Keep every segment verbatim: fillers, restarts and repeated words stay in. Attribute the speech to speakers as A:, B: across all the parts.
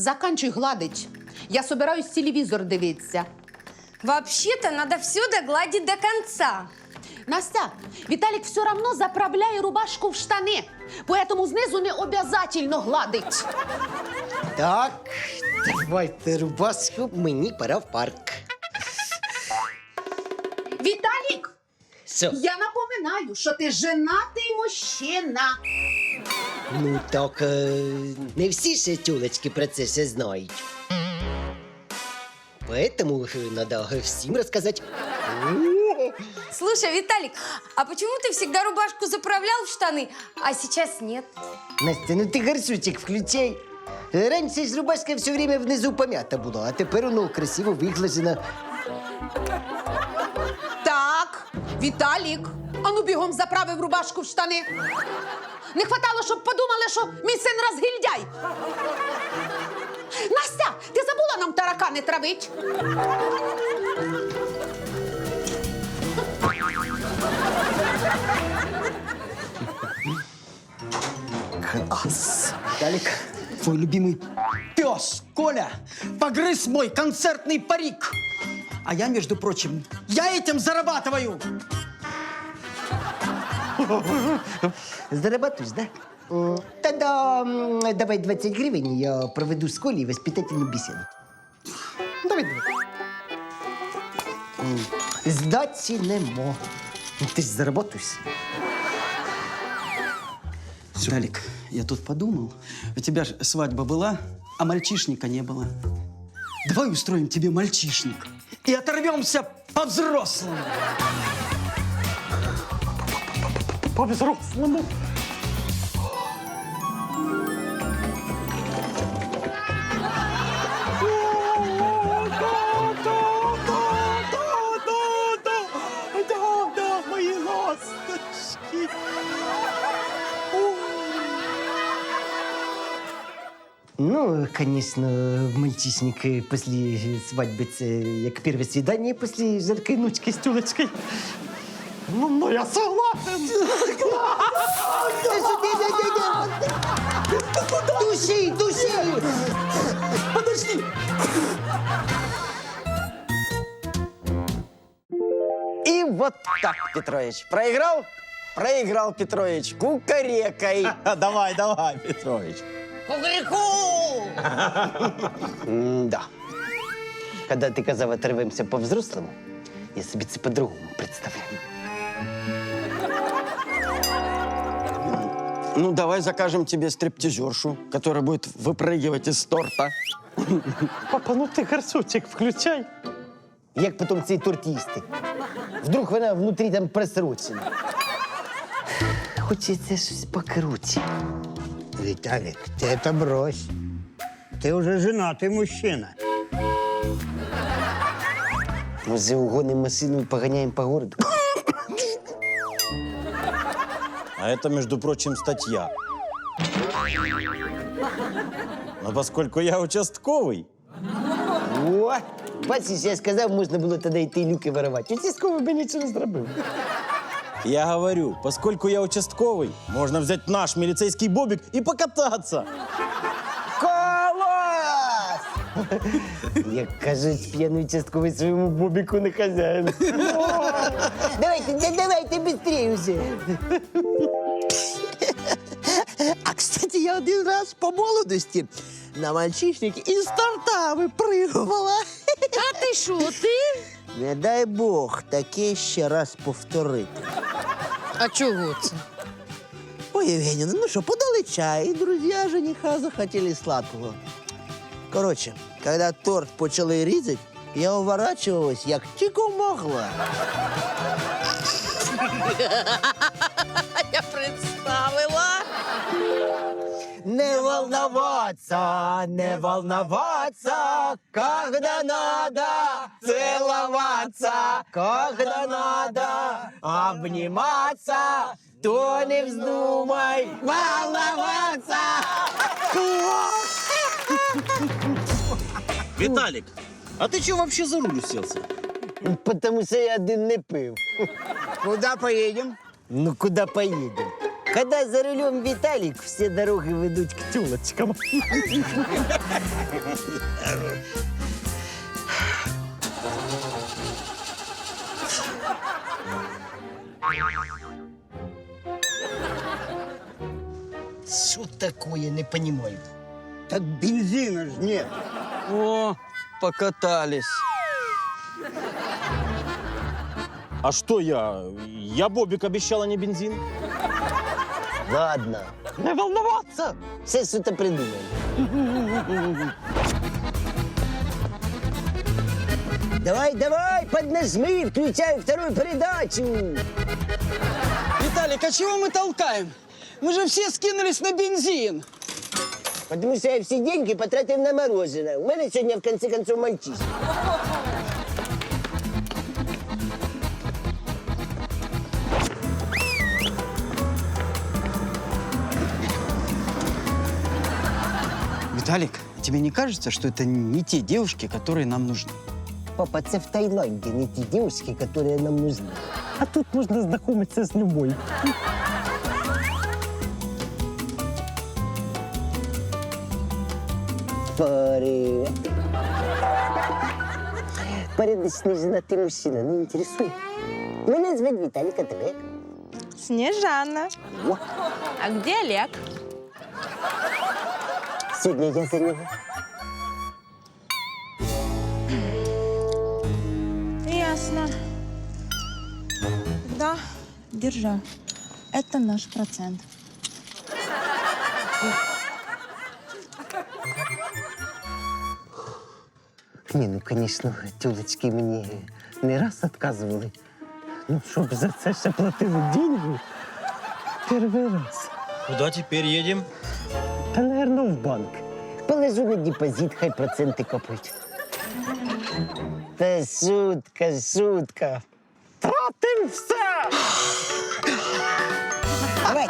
A: заканчуй гладить. Я собираюсь телевізор дивитися.
B: Вообще-то надо все догладить до конца.
A: Настя, Віталік все равно заправляє рубашку в штани, поэтому знизу не обязательно гладить.
C: Так, давайте рубашку, мені пора в парк.
A: Віталік,
C: Що?
A: я напоминаю, що ти женатий мужчина.
C: Ну так, е, не всі ще тюлечки про це ще знають. Поэтому надо всім розказати.
B: Слушай, Виталик, а почему ты всегда рубашку заправлял в штаны, а сейчас нет?
C: Настя, ну ти гарсучик включай. Раніше ж рубашка все время внизу пом'ята була, а тепер воно красиво виглажена.
A: Так, Віталік, ану бігом заправив рубашку в штани. Не хватало, щоб подумали, що мій син розгильдяй. Настя, ти забула нам таракани травить?
D: Класс! Виталик, твой любимый пес Коля погрыз мой концертный парик. А я, между прочим, я этим зарабатываю.
C: Зарабатуєш, да? М, Тогда м, давай двадцять гривень, я проведу з Колей воспитательну бесіду.
D: Давай, давай.
C: Здачі нема. Ну, ти ж заработаєш.
D: Виталик, я тут подумал, у тебя же свадьба была, а мальчишника не было. Давай устроим тебе мальчишник и оторвемся по-взрослому. По-взрослому? Да, мои ласточки.
C: Ну, конечно, мальчишник е, після свадьби це як перше свидання після жаркої ночки з тюлечкою.
D: Ну, ну я согласен.
C: Души, души!
D: Подожди.
E: И вот так, Петрович. Проиграл? Проиграл, Петрович. Кукарекой.
F: Давай, давай, Петрович.
C: Да. Когда ти казав, оторвемося по-взрослому, я собі це по-другому представляю.
E: Ну, давай закажем тебе стриптизершу, которая будет выпрыгивать из торта.
F: Папа, ну ти гарсучик включай.
C: Як потім цей торт їсти? Вдруг вона внутрі там просрочена. Хочеться щось покруче.
G: Виталик, ты это брось. Ты уже женатый мужчина.
C: Може, угонимо машину і поганяємо по городу?
F: А это, между прочим, статья. Но поскольку я участковый,
C: О, бачиш, я сказав, можна було тоді йти люки воровати. Участковий би нічого не зробив.
F: я говорю, поскольку я участковый, можно взять наш милицейский бобик и покататься.
C: Клас! Як кажуть, п'яний участковий своєму бобіку не хазяїн. Давайте, да- давайте быстрее уже.
H: А, кстати, я один раз по молодости на мальчишник из торта выпрыгивала.
A: А ти що, ти?
H: Не дай Бог таке ще раз повторити.
A: А чого це?
H: Ой, Евгеньевна, ну что, подали чай, и друзья жениха захотели сладкого. Короче, когда торт почали різати, я уворачивалась, як тільки могла.
A: Я представила.
C: Не волноваться, не волноваться, когда надо целоваться, когда надо обниматься, то не вздумай волноваться.
F: Виталик, а ты что вообще за руль уселся?
C: Потому что я один не пив.
G: Куда поедем?
C: Ну, куда поедем? Когда за рулем Виталик, все дороги ведут к тёлочкам. Что такое, не понимаю.
G: Так бензина ж нет.
E: О, покатались.
F: А что я? Я Бобик обещал, а не бензин.
C: Ладно, не волноваться. Все что-то придумаем. Давай, давай, поднажми, включай вторую передачу.
D: Виталик, а чего мы толкаем? Мы же все скинулись на бензин.
C: Потому что я все деньги потратил на мороженое. У меня сегодня, в конце концов, мальчишка.
D: Виталик, тебе не кажется, что это не те девушки, которые нам нужны?
C: Папа, це в Таиланде не те девушки, которые нам нужны. А тут можно знакомиться с любой. Привет. Порядочный женатый мужчина не интересует. Меня зовут Виталик, а тебе?
I: Снежана.
C: О,
I: А где Олег?
C: сегодня я за него.
I: Ясно. Да, держи. Это наш процент.
C: Не, ну, конечно, тёлочки мне не раз отказывали. Ну, щоб за це ще платили деньги. Перший раз.
F: Куда теперь едем?
C: Та, наверное, в банк. Положу на депозит, хай проценти капають. Та шутка, шутка. Тратим все! Давай.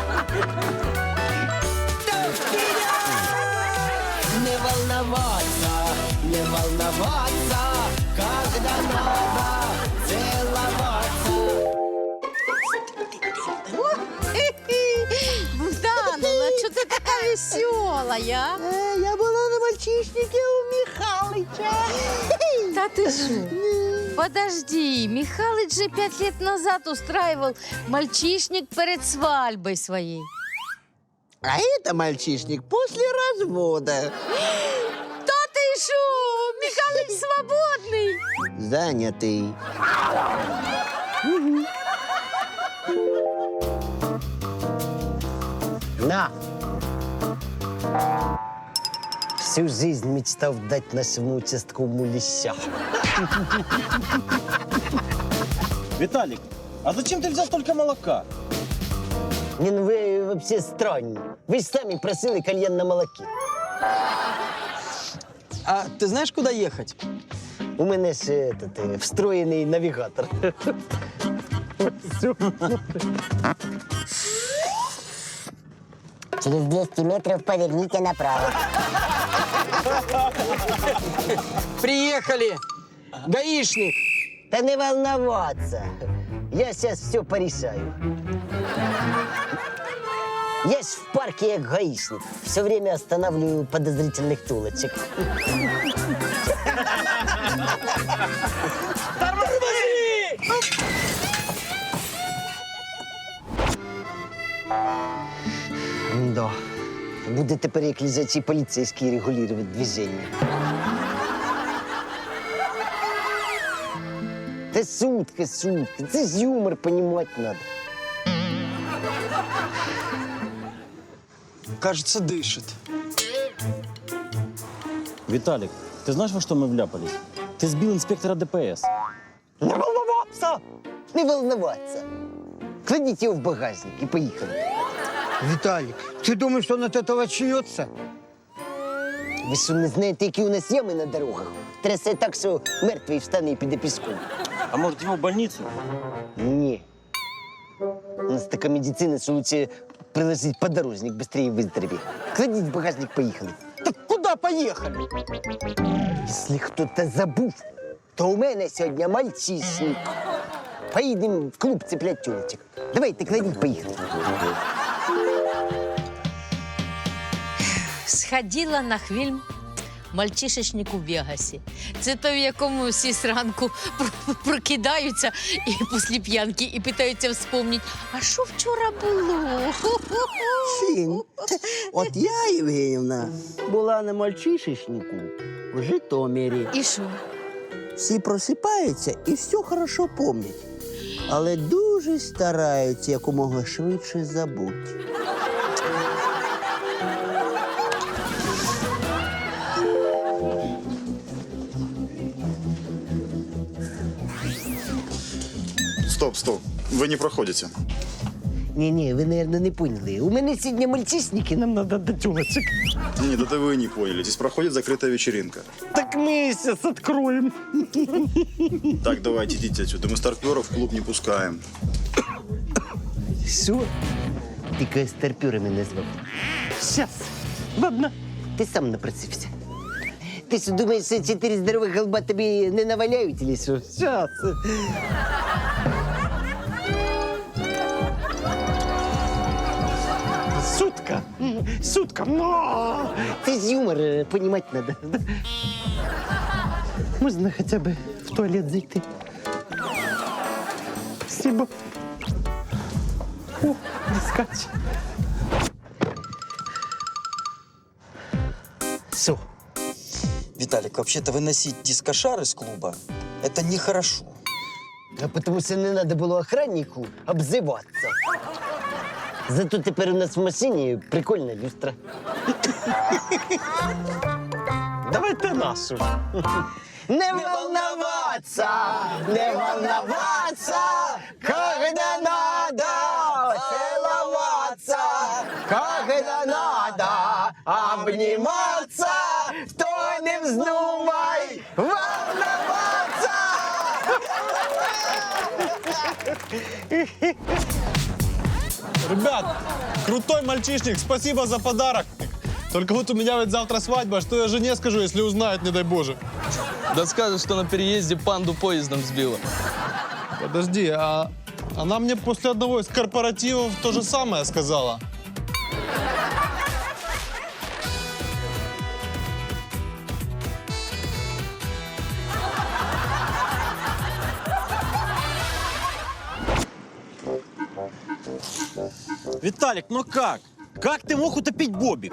C: Не волноваться, не волноваться, когда надо целоваться.
A: Богдановна, що ти така весела, я?
C: Е, я була на мальчишнике у Михалыча.
B: Да ты что? Подожди, Михалыч же пять лет назад устраивал мальчишник перед свадьбой своей.
H: А это мальчишник после развода.
B: Да ты что? Михалыч свободный.
H: Занятый.
C: На! Всю жизнь мечтал дать нашему участковому леща.
F: Виталик, а зачем ты взял только молока?
C: Не, ну вы вообще странні. Ви ж самі просили кальян на молоке.
D: А ты знаешь, куда ехать?
C: У мене ж этот, е, встроєний навігатор.
H: Через двести метров поверните направо.
D: Приехали! Гаишник!
C: Та не волноваться. Я сейчас все порешаю. Я ж в парке як гаишник. Все время останавливаю подозрительных тулочек. Да. Буде тепер як лежачий поліцейський регулювати движення. Та сутка, сутка. Це ж юмор, понімати надо.
D: Кажется, дышит.
F: Виталик, ты знаешь, во что мы вляпались? Ты сбил инспектора ДПС.
C: Не волноваться! Не волноваться. Кладите его в багажник и поехали.
G: Виталик, ты думаешь, он от этого очнется?
C: Ви що, не знаєте, які у нас ями на дорогах? Трясе так, що мертвий встане і піде піском.
F: А может, его в больницу?
C: Ні. У нас така медицина, що лучше приложить подорожник, быстрее выздоровее. Кладіть в багажник, поїхали.
D: Так куда поехали?
C: Якщо хтось забув, то у мене сьогодні мальчишник. Поїдемо в клуб цеплять тюлечек. Давайте, кладіть, поїхали.
B: Сходила на фільм «Мальчишечник у Вегасі». Це той, в якому всі зранку про- прокидаються і після п'янки і питаються вспомнити, а що вчора було?
H: Син, от я, Євгенівна, була на мальчишечнику в Житомирі.
B: І що?
H: Всі просипаються і все хорошо пам'ятають. Але дуже стараються якомога швидше забути.
J: Стоп, стоп. Вы не проходите.
C: Ні-ні, ви, мабуть, не поняли. У мене сьогодні мальчишники, нам треба до тюлочок.
J: Нет, это вы не поняли. Здесь проходит закрытая вечеринка.
C: Так ми зараз відкроємо.
J: Так, давайте, идите отсюда. Мы старперов в клуб не пускаем.
C: Що? Тільки старпюрами назвав. Щас. Ладно. Ти сам напросився. Ти що, думаєш, що чотири здорових голба тобі не наваляють, чи що? Щас. Сутка. Сутка. Но. Ти ж юмор е, понімати треба. Можна хоча б в туалет зайти. Спасибо. О, скач. Все.
E: Виталик, вообще-то выносить дискошар из клуба – это нехорошо.
C: А потому що не треба було охраннику обзиватися. Зато тепер у нас в машині прикольна люстра. Давайте нашу. Не волноваться, не волноваться, когда надо целоваться, когда надо обниматься, то не вздумай волноваться.
F: Ребят, крутой мальчишник, спасибо за подарок. Только вот у меня ведь завтра свадьба, что я жене скажу, если узнает, не дай Боже.
K: Да скажет, что на переезде панду поездом сбила.
F: Подожди, а она мне после одного из корпоративов то же самое сказала.
E: Виталик, ну как? Как ты мог утопить Бобик?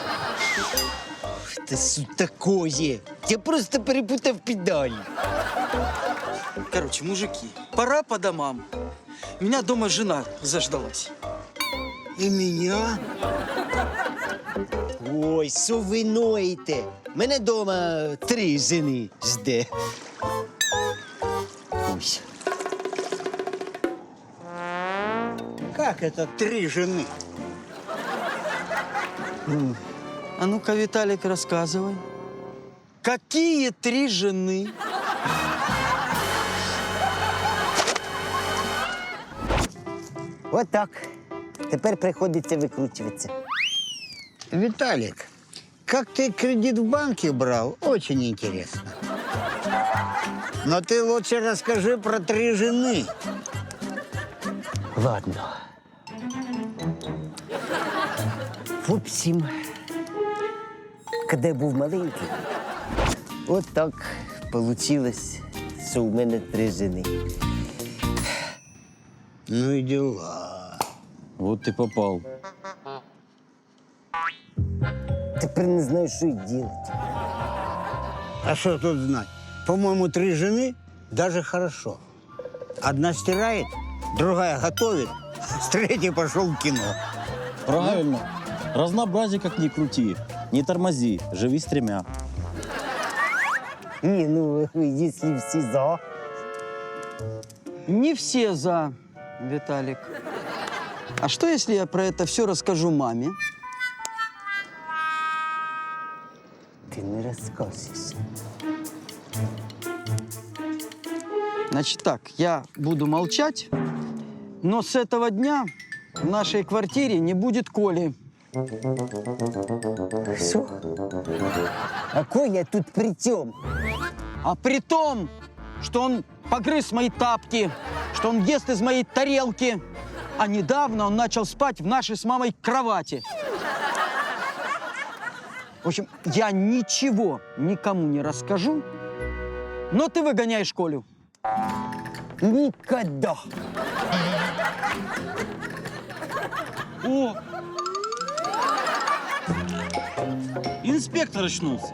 C: Та що такое? Я просто перепутав педалі.
E: Короче, мужики, пора по домам. Меня дома жена заждалась.
G: И меня?
C: Ой, що ви ноєте? Мене дома три жени жде. Ой.
G: Как это три жены?
E: А ну-ка, Виталик, рассказывай. Какие три жены?
C: От так. Тепер приходиться викручуватися.
G: Виталик, как ты кредит в банке брал, очень интересно. Но ты лучше расскажи про три жены.
C: Ладно. В общем, коли я був маленький, от так получилось, що у мене три жени.
G: Ну и дела.
F: Вот ты попал.
C: Тепер не знаю, що й робити.
G: А что тут знать? По-моему, три жены даже хорошо. Одна стирает, другая готовит, с третьей пошел в кино.
F: Правильно. Разнообразие как ни крути. Не тормози, живи с тремя.
C: Ні, ну, якщо всі за.
E: Не все за, Виталик. А что, если я про это все расскажу маме?
C: Ти не розкажеш.
E: Значит так, я буду молчать, но с этого дня в нашей квартире не будет Коли.
C: Що? А Коля тут при чому?
E: А при том, что он погрыз мои тапки, что он ест из моей тарелки, а недавно он начал спать в нашей с мамой кровати. В общем, я ничего никому не расскажу, но ты выгоняешь Колю.
C: Никогда.
F: О! Инспектор очнулся.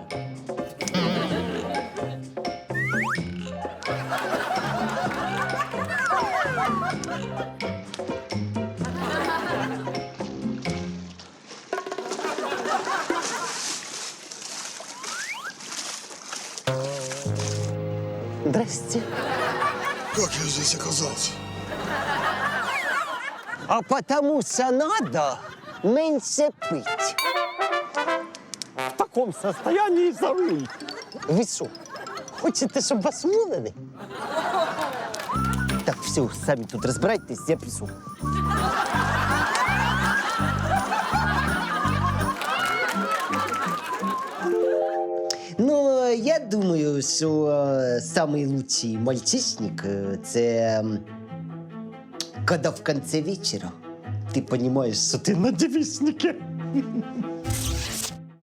C: Здрасте.
J: Как я здесь оказался?
C: А потому что надо меньше пить. В таком состоянии за руль. Вы что, хотите, чтобы вас уволили? Так, все, сами тут разбирайтесь, я пишу. Ну, я думаю, що е, самий лучший мальчишник е, це м, коли в конце вечера ты понимаешь, что ты на девичнике.